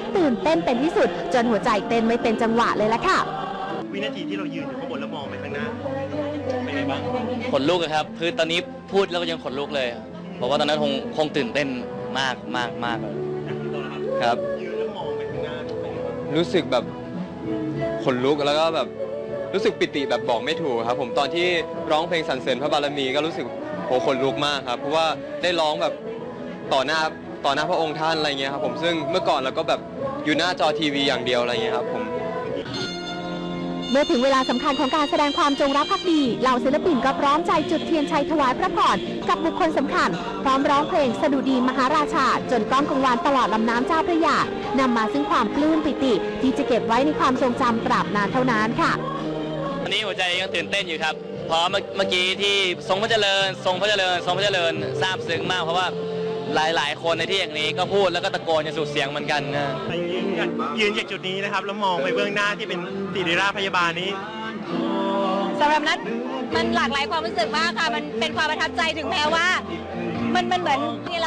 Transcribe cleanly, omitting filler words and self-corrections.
ตื่นเต้นเป็นที่สุดจนหัวใจเต้นไม่เป็นจังหวะเลยละค่ะวินาทีที่เรายืนอยู่ข้างบนแล้วมองไปข้างหน้าเป็นไงบ้างขนลุกครับคือตอนนี้พูดแล้วก็ยังขนลุกเลยเพราะว่าตอนนั้นคงตื่นเต้นมากครับยืนแล้วมองไปข้างหน้าเป็นไงบ้างรู้สึกแบบขนลุกแล้วก็แบบรู้สึกปิติแบบบอกไม่ถูกครับผมตอนที่ร้องเพลงสรรเสริญพระบารมีก็รู้สึกโหขนลุกมากครับเพราะว่าได้ร้องแบบต่อหน้าพระองค์ท่านอะไรเงี้ยครับผมซึ่งเมื่อก่อนเราก็แบบอยู่หน้าจอทีวีอย่างเดียวอะไรเงี้ยครับผมเมื่อถึงเวลาสำคัญของการแสดงความจงรักภักดีเหล่าศิลปินก็พร้อมใจจุดเทียนชัยถวายพระพรกับบุคคลสำคัญพร้อมร้องเพลงสดุดีมหาราชาจนก้องกังวานตลอดลำน้ำเจ้าพระยานำมาซึ่งความปลื้มปิติที่จะเก็บไว้ในความทรงจำตราบนานเท่านานค่ะตอนนี้หัวใจยังตื่นเต้นอยู่ครับเพราะเมื่อกี้ที่ทรงพระเจริญซาบซึ้งมากเพราะว่าหลายคนในที่อย่างนี้ก็พูดแล้วก็ตะโกนอย่างสุดเสียงเหมือนกันนะยืนจากจุดนี้นะครับแล้วมองไปเบื้องหน้าที่เป็นศิริราชพยาบาลนี้สำหรับนัทมันหลากหลายความรู้สึกมากค่ะมันเป็นความประทับใจถึงแม้ว่ามันเหมือน